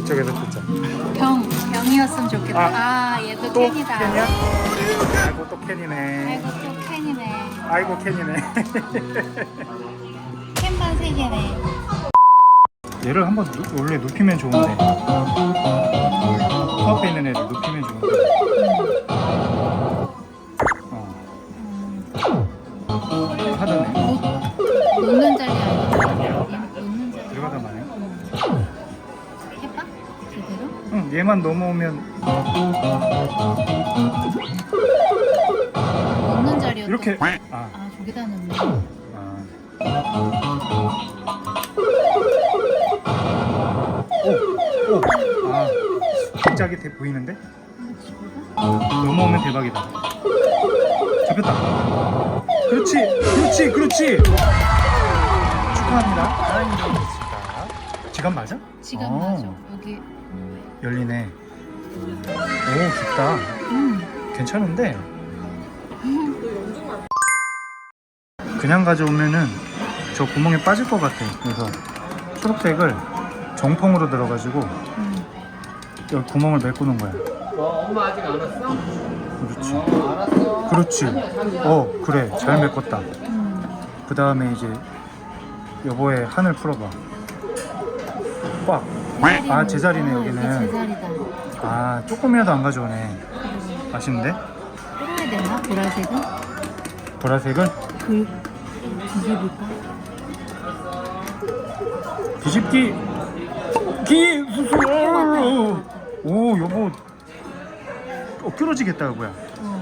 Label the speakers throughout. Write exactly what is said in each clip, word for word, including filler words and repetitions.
Speaker 1: 이쪽에서 듣자.
Speaker 2: 병, 병이었으면 좋겠다. 아, 얘도
Speaker 1: 또
Speaker 2: 캔이다.
Speaker 1: 캔이야? 아이고 또 캔이네.
Speaker 2: 아이고, 또 캔이네.
Speaker 1: 아이고 캔이네.
Speaker 2: 캔만 세 개네.
Speaker 1: 얘를 한번 누, 원래 눕히면 좋은데 코앞에 있는 애를 눕히면 좋은데 어
Speaker 2: 음,
Speaker 1: 하더네.
Speaker 2: 놓, 놓는 자리 아니야? 얘 놓는 자리.
Speaker 1: 들어가다 마네.
Speaker 2: 음. 해봐? 제대로?
Speaker 1: 응, 얘만 넘어오면
Speaker 2: 놓는 자리였다.
Speaker 1: 이렇게 아,
Speaker 2: 아, 저기다 놓네.
Speaker 1: 아. 오, 오, 아, 갑자기 대 보이는데? 넘어오면 대박이다. 잡혔다. 그렇지, 그렇지, 그렇지. 축하합니다. 하나님 지갑 맞아?
Speaker 2: 지갑
Speaker 1: 어,
Speaker 2: 맞아. 여기.
Speaker 1: 열리네. 오, 깊다.
Speaker 2: 음.
Speaker 1: 괜찮은데? 그냥 가져오면은 저 구멍에 빠질 것 같아. 그래서 초록색을 정통으로 들어가지고
Speaker 2: 음.
Speaker 1: 여기 구멍을 메꾸는 거야.
Speaker 3: 어, 엄마 아직 안 왔어?
Speaker 1: 그렇지.
Speaker 3: 어, 알았어.
Speaker 1: 그렇지. 어, 그래. 잘 메꿨다.
Speaker 2: 음.
Speaker 1: 그 다음에 이제 여보의 한을 풀어봐. 꽉. 아, 제자리네,
Speaker 2: 아,
Speaker 1: 여기는.
Speaker 2: 이게 제자리다.
Speaker 1: 아, 조금이라도 안 가져오네. 아쉽네.
Speaker 2: 끌어야 되나? 보라색은?
Speaker 1: 보라색을
Speaker 2: 그 뒤집을까?
Speaker 1: 뒤집기. 기 수수. 오, 여보. 어, 끌어지겠다, 여보야.
Speaker 2: 어.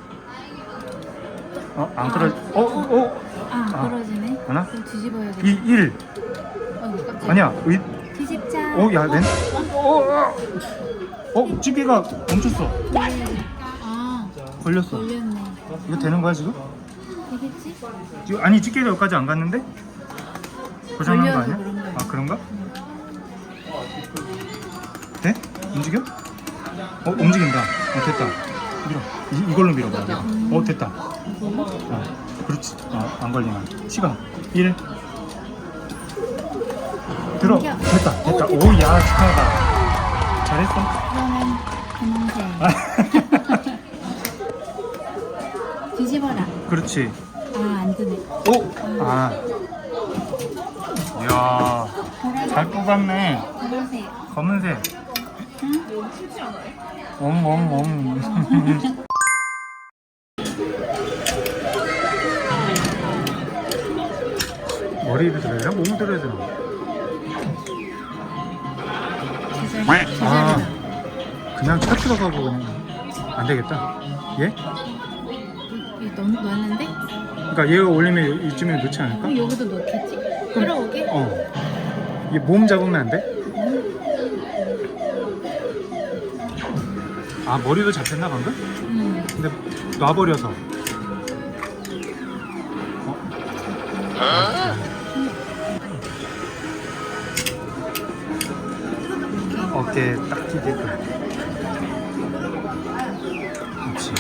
Speaker 1: 어, 안 끌어. 어, 어.
Speaker 2: 아,
Speaker 1: 아.
Speaker 2: 떨어지네.
Speaker 1: 하나?
Speaker 2: 그럼 뒤집어야겠다.
Speaker 1: 이, 일.
Speaker 2: 어이구, 깜짝이야.
Speaker 1: 아니야. 의.
Speaker 2: 뒤집자.
Speaker 1: 어, 야, 렌. 어, 어, 어, 찌개가 멈췄어.
Speaker 2: 네. 아,
Speaker 1: 걸렸어.
Speaker 2: 걸렸네.
Speaker 1: 이거 되는 거야 지금?
Speaker 2: 되겠지?
Speaker 1: 지금 아니 찌개가 여기까지 안 갔는데? 고장난 거
Speaker 2: 걸려서
Speaker 1: 아니야?
Speaker 2: 그런 거야.
Speaker 1: 아 그런가?
Speaker 2: 응.
Speaker 1: 돼? 움직여? 어 움직인다. 어 됐다. 밀어. 이, 이걸로 밀어봐.
Speaker 2: 음.
Speaker 1: 어 됐다. 어 그렇지. 어, 안 걸리나. 시간 일. 들어.
Speaker 2: 당겨.
Speaker 1: 됐다. 됐다.
Speaker 2: 오, 됐다.
Speaker 1: 오야 축하하다. 잘했어.
Speaker 2: 그러면 분홍색. 뒤집어라.
Speaker 1: 그렇지.
Speaker 2: 아, 안 드네.
Speaker 1: 오. 아. 이야.
Speaker 2: 보라색.
Speaker 1: 잘 뽑았네.
Speaker 2: 보라색.
Speaker 1: 검은색.
Speaker 2: 응?
Speaker 1: 옴옴옴. 머리를 들어야 되나? 몸을 들어야 되나?
Speaker 2: 제자리. 제자리다.
Speaker 1: 아, 그냥 차 들어가고 그냥 안 되겠다. 얘?
Speaker 2: 여기 넣, 넣었는데?
Speaker 1: 그러니까 얘가 올리면 이쯤에 넣지 않을까?
Speaker 2: 그럼 여기도 넣겠지? 끌어오게?
Speaker 1: 어. 얘 몸 잡으면 안 돼? 아 머리도 잡혔나 방금?
Speaker 2: 응.
Speaker 1: 근데 놔버려서. 어? 어깨에 딱 끼게끔. 그렇지.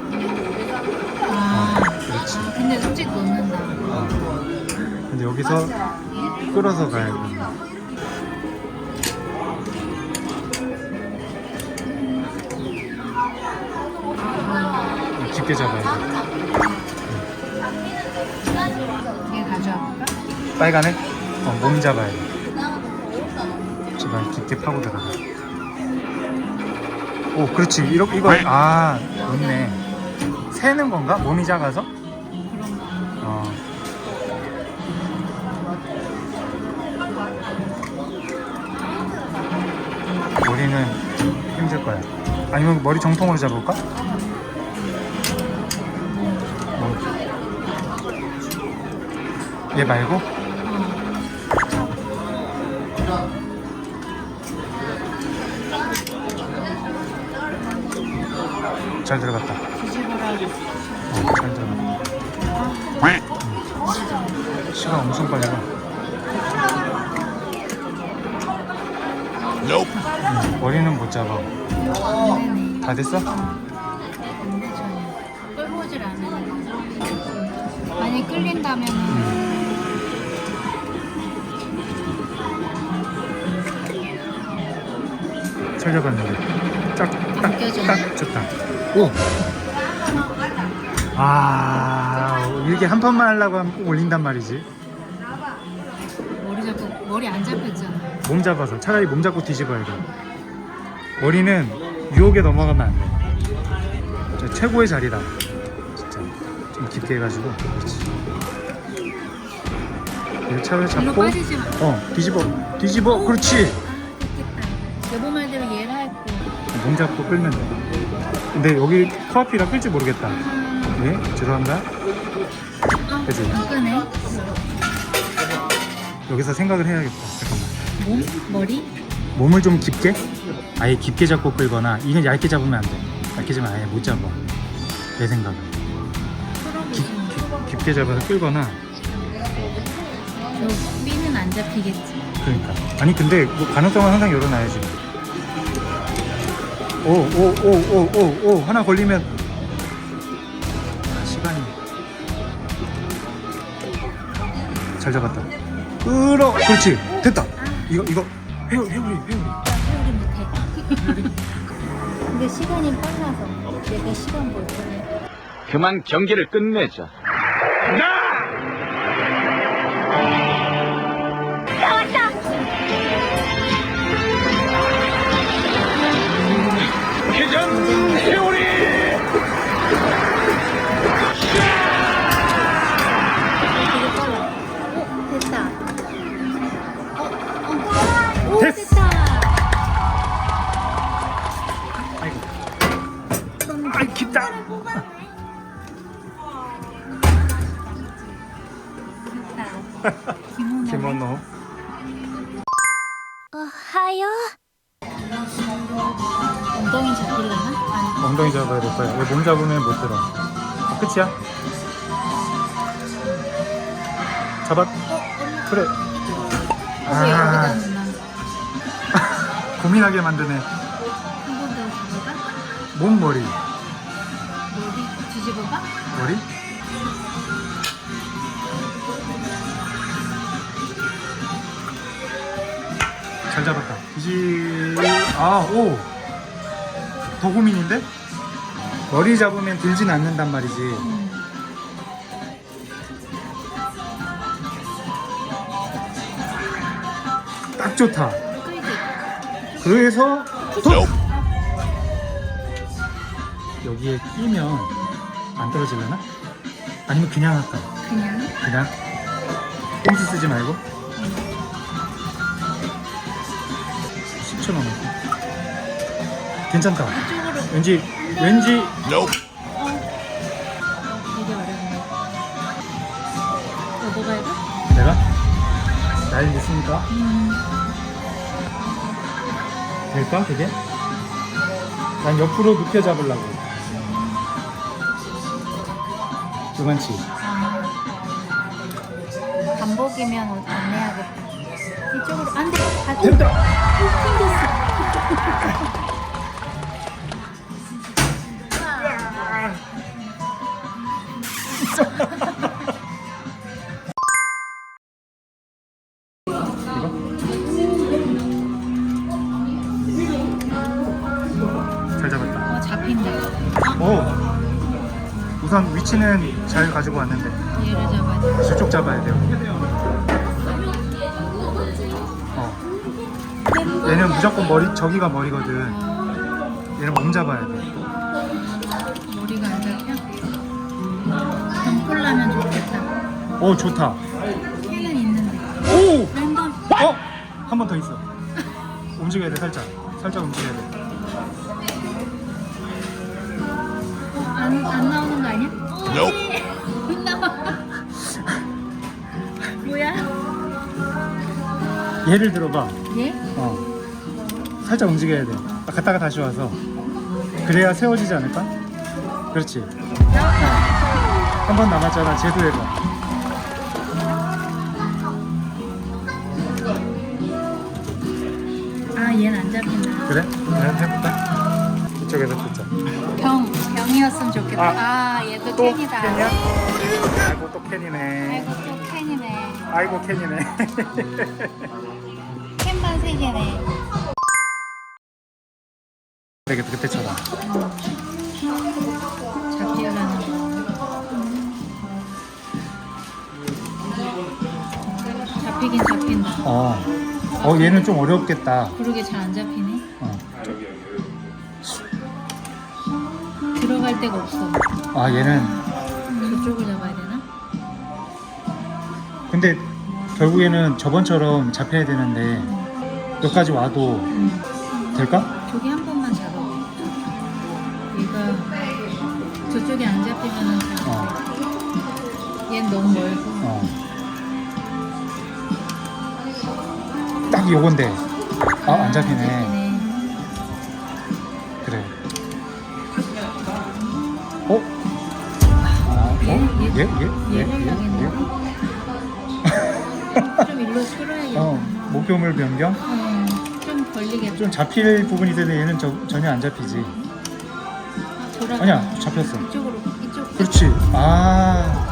Speaker 2: 아,
Speaker 1: 그렇지.
Speaker 2: 아, 근데 솔직히 넣는다.
Speaker 1: 어. 근데 여기서 끌어서 가야 돼. 깊게 잡아야 돼.
Speaker 2: 이게 가져와볼까?
Speaker 1: 빨간에? 어, 몸 잡아야 돼. 제발 깊게 파고 들어가. 오, 그렇지. 이러, 이거, 아, 좋네. 새는 건가? 몸이 작아서?
Speaker 2: 그런가.
Speaker 1: 어. 머리는 힘들 거야. 아니면 머리 정통으로 잡을까? 어. 얘 말고? 잘 들어갔다.
Speaker 2: 뒤집어라.
Speaker 1: 어, 잘 들어갔다. 응. 시간 엄청 빨리 가. 응, 머리는 못 잡아.
Speaker 2: 안 되네.
Speaker 1: 다 됐어?
Speaker 2: 안 돼, 전혀. 끌고 오질 않아. 만약에 끌린다면은.
Speaker 1: 응. 잘 잡았는데 짝딱
Speaker 2: 껴져.
Speaker 1: 딱 좋다. 오. 아 이렇게 한 판만 하려고 하면 꼭 올린단 말이지.
Speaker 2: 머리 잡고 머리 안 잡혔잖아.
Speaker 1: 몸 잡아서 차라리 몸 잡고 뒤집어야 돼. 머리는 유혹에 넘어가면 안 돼. 저 최고의 자리다. 진짜 좀 깊게 해가지고. 그렇지. 이렇게 차를
Speaker 2: 일로
Speaker 1: 잡고.
Speaker 2: 빠지지 마.
Speaker 1: 어 뒤집어 뒤집어. 그렇지.
Speaker 2: 아 됐겠다. 여보 말대로 얘를 할거.
Speaker 1: 몸 잡고 끌면 돼. 근데 여기 코앞이라 끌지 모르겠다. 네 죄송합니다.
Speaker 2: 아,
Speaker 1: 그치?
Speaker 2: 안 끄네.
Speaker 1: 여기서 생각을 해야겠다. 잠깐만.
Speaker 2: 몸? 머리?
Speaker 1: 몸을 좀 깊게? 아예 깊게 잡고 끌거나 이건 얇게 잡으면 안 돼. 얇게 잡으면 아예 못 잡아. 내 생각은. 깊, 깊, 깊게 잡아서 끌거나.
Speaker 2: 저 B는 안 잡히겠지.
Speaker 1: 그러니까. 아니 근데 뭐 가능성은 항상 열어놔야지. 오 오 오 오 오 오 하나 걸리면 아, 시간이 잘 잡았다. 끌어. 그렇지. 됐다. 이거 이거 회오리 회오리 회오리.
Speaker 2: 나 회오리 못해. 근데 시간이 빨라서 내가 시간 볼 거야.
Speaker 4: 그만 경기를 끝내자. 회전 회오리.
Speaker 2: 되게 빨라. 오 됐다. 어, 어. 오
Speaker 1: 됐어.
Speaker 2: 됐다.
Speaker 1: 아이고. 아이 깊다.
Speaker 2: 됐다. 김은호.
Speaker 1: 김원호.
Speaker 2: 엉덩이 잡히려나? 아니.
Speaker 1: 엉덩이 잡아야 될 거야. 이거 몸 잡으면 못 들어. 아, 끝이야? 잡았. 그래.
Speaker 2: 어, 왜
Speaker 1: 아.
Speaker 2: 여기다 넣나?
Speaker 1: 고민하게 만드네.
Speaker 2: 한 번 더 잡아봐.
Speaker 1: 몸 머리.
Speaker 2: 머리 뒤집어봐.
Speaker 1: 머리? 잘 잡았다. 이지. 아, 오. 더 고민인데? 머리 잡으면 들진 않는단 말이지.
Speaker 2: 음.
Speaker 1: 딱 좋다.
Speaker 2: 끌기.
Speaker 1: 그래서 톡! 여기에 끼면 안 떨어지려나? 아니면 그냥 할까?
Speaker 2: 그냥.
Speaker 1: 그냥 꼼수 쓰지 말고 십 초 남았어. 괜찮다.
Speaker 2: 이쪽으로.
Speaker 1: 왠지 왠지
Speaker 2: 되게 어렵네. 여보가 해봐?
Speaker 1: 내가 날 믿습니까?
Speaker 2: 음.
Speaker 1: 될까 그게? 난 옆으로 눕혀 잡으려고. 그만치.
Speaker 2: 아. 반복이면 옷 안 내야겠다. 이쪽으로 안 돼. 다
Speaker 1: 됐다.
Speaker 2: 튕겼어.
Speaker 1: 잘 잡았다.
Speaker 2: 어 잡힌다.
Speaker 1: 오. 우선 위치는 잘 가지고 왔는데
Speaker 2: 얘를 잡아야 돼.
Speaker 1: 저쪽 잡아야 돼요. 어. 얘는 무조건 머리 저기가 머리거든. 얘는 몸 잡아야 돼.
Speaker 2: 머리가 안 잡혀? 덩콜라면 좋겠다.
Speaker 1: 오 좋다.
Speaker 2: 걔는 있는데.
Speaker 1: 오.
Speaker 2: 랜덤.
Speaker 1: 어? 한 번 더 있어. 움직여야 돼 살짝. 살짝 움직여야 돼.
Speaker 2: 안, 안 나오는 거 아니야? 네. 안 나와. 뭐야?
Speaker 1: 얘를 들어봐.
Speaker 2: 얘?
Speaker 1: 어. 살짝 움직여야 돼. 갔다가 다시 와서. 그래야 세워지지 않을까? 그렇지. 한 번 남았잖아. 쟤도 해봐.
Speaker 2: 아 얘는 안 잡힌다.
Speaker 1: 그래? 내가 해볼까? 이쪽에서 듣자.
Speaker 2: 병 병이었으면 좋겠다.
Speaker 1: 아,
Speaker 2: 아, 얘도
Speaker 1: 또
Speaker 2: 캔이다.
Speaker 1: 캔이야? 아이고 또 캔이네.
Speaker 2: 아이고 또 캔이네.
Speaker 1: 아이고 캔이네.
Speaker 2: 캔만 세 개네.
Speaker 1: 되게 그때처럼.
Speaker 2: 잡히려는 거. 잡히긴 잡힌다.
Speaker 1: 어. 어 얘는 좀 어렵겠다.
Speaker 2: 그러게 잘 안 잡히네.
Speaker 1: 어.
Speaker 2: 들어갈 데가 없어.
Speaker 1: 아 얘는
Speaker 2: 저쪽을 잡아야 되나?
Speaker 1: 근데 결국에는 저번처럼 잡혀야 되는데 여기까지 와도
Speaker 2: 응.
Speaker 1: 될까?
Speaker 2: 저기 한 번만 잡아. 얘가 저쪽에 안 잡히면은
Speaker 1: 어.
Speaker 2: 얘는 너무 멀고.
Speaker 1: 어. 딱 요건데. 아 안 잡히네.
Speaker 2: 잡히네.
Speaker 1: 그래. 어? 아, 어?
Speaker 2: 얘, 얘,
Speaker 1: 얘? 얘?
Speaker 2: 얘
Speaker 1: 얘? 얘?
Speaker 2: 하려겠네.
Speaker 1: 얘?
Speaker 2: 좀 일로 끌어야겠다.
Speaker 1: 어, 목표물 변경?
Speaker 2: 어, 좀 걸리겠다.
Speaker 1: 좀 잡힐 부분이 있는데 얘는 저, 전혀 안 잡히지.
Speaker 2: 돌아가.
Speaker 1: 아니야, 잡혔어.
Speaker 2: 이쪽으로, 이쪽.
Speaker 1: 그렇지. 아.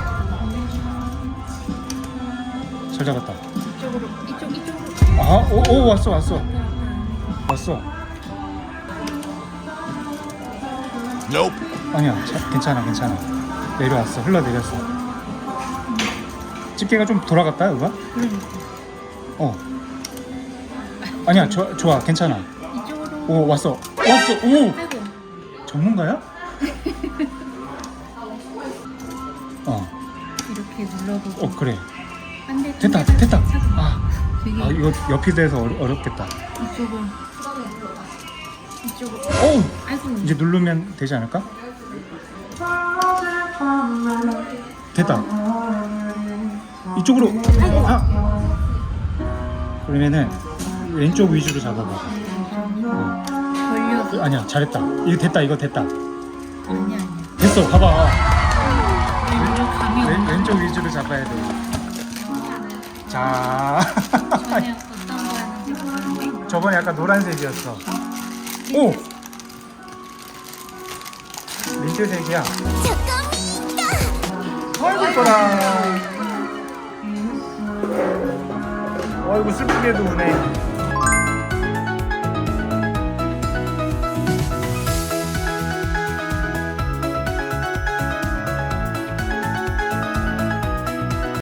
Speaker 1: 잘 잡았다.
Speaker 2: 이쪽으로, 이쪽, 이쪽으로.
Speaker 1: 아, 오, 오 왔어, 왔어. 왔어. 아니야, 자, 괜찮아, 괜찮아. 내려왔어, 흘러내렸어. 집게가 좀 돌아갔다, 여기가?
Speaker 2: 그러니까.
Speaker 1: 어. 아니야, 저, 좋아, 괜찮아.
Speaker 2: 이쪽으로.
Speaker 1: 오, 왔어. 왔어, 오!
Speaker 2: 아이고.
Speaker 1: 전문가야? 어,
Speaker 2: 이렇게 눌러보고.
Speaker 1: 어, 그래.
Speaker 2: 안 돼.
Speaker 1: 됐다,
Speaker 2: 안 돼,
Speaker 1: 됐다.
Speaker 2: 안 돼.
Speaker 1: 아,
Speaker 2: 되게
Speaker 1: 아 이거 옆이 돼서 어려, 어렵겠다.
Speaker 2: 이쪽을. 이쪽으로.
Speaker 1: 오!
Speaker 2: 아이고.
Speaker 1: 이제 누르면 되지 않을까? 됐다. 이쪽으로. 아. 그러면은 왼쪽 위주로 잡아봐. 어.
Speaker 2: 걸려서.
Speaker 1: 아니야, 잘했다. 이거 됐다, 이거 됐다.
Speaker 2: 아니야, 아니야.
Speaker 1: 됐어, 봐봐.
Speaker 2: 왼쪽 감이
Speaker 1: 왼,
Speaker 2: 없나?
Speaker 1: 왼쪽 위주로 잡아야 돼. 자,
Speaker 2: 전에 어떤 거 하는지 모르는데.
Speaker 1: 저번에 약간 노란색이었어. 오! 민트색이야. 아이고 이뻐라. 아이고 슬프게도 우네.